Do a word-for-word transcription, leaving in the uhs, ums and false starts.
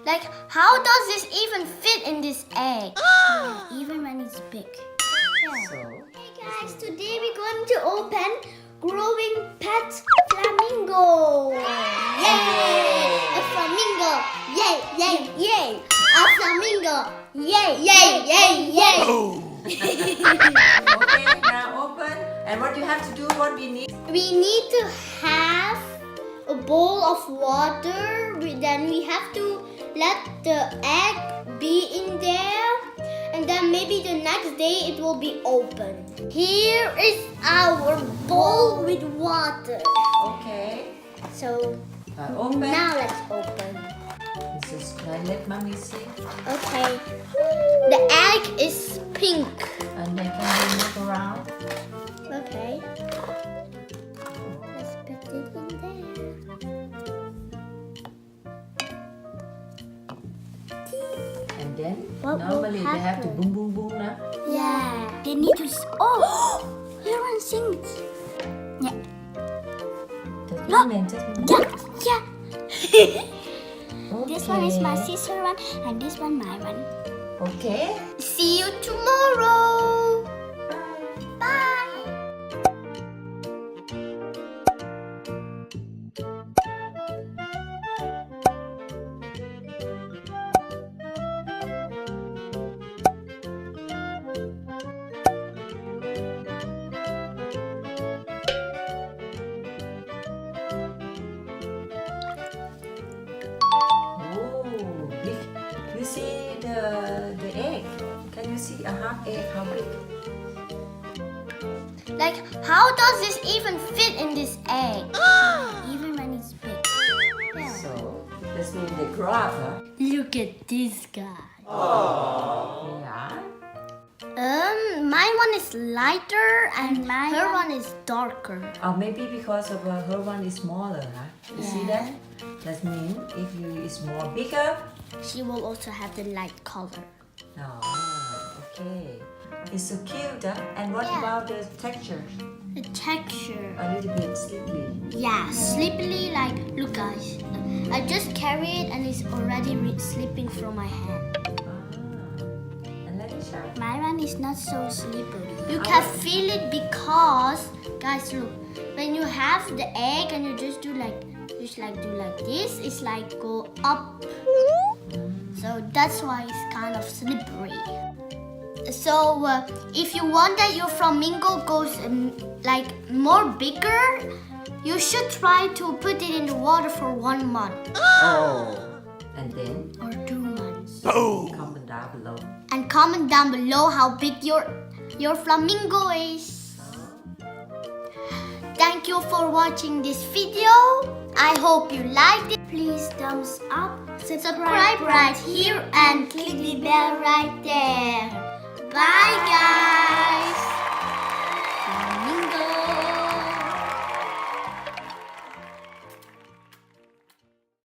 Like, how does this even fit in this egg? Yeah, even when it's big. Yeah. So, Hey guys, today we're going to open growing pet flamingo. Yay! A flamingo. Yay, yay, yay. A flamingo. Yay, yay, yay, yay. okay, now open. And what you have to do, what we need? We need to have a bowl of water. We- Then we have to let the egg be in there. And then maybe the next day it will be open. Here is our bowl with water. Okay. So Uh, open. now let's open. This is, uh, let mommy see. Okay. The egg is pink. And then can we move around? Okay. Let's put it in there. And then, What will normally they have to happen? boom, boom, boom now. Yeah. They need to. S- oh, here one sings. Yeah. Just Look. movement, just movement. Yeah. Yeah. This one is my Okay. sister one, and this one my one. Okay. See you tomorrow. Bye. Oh, big. You see the the egg? Can you see a half egg? How big? Like, how does this even fit in this egg? Even when it's big. Yeah. So this means they grow up, huh? Look at this guy. Yeah. Um, my one is lighter and her one is darker. Or maybe because of uh, her one is smaller, huh? You see that? That means if you is more bigger. She will also have the light color. No. Okay. It's so cute, huh? And what Yeah. about the texture? The texture. A little bit slippery. Yeah, slippery. Like, look, guys. I just carry it and it's already re- slipping from my hand. Ah. And let it shine. My one is not so slippery. You can feel it because, guys, look. When you have the egg and you just do like, just like do like this, it's like go up. So that's why it's kind of slippery. So uh, if you want that your flamingo goes um, like more bigger, you should try to put it in the water for one month Oh. And then or two months. comment down below. And comment down below how big your your flamingo is. Thank you for watching this video. I hope you liked it. Please thumbs up, subscribe right here and click the bell right there. Bye guys.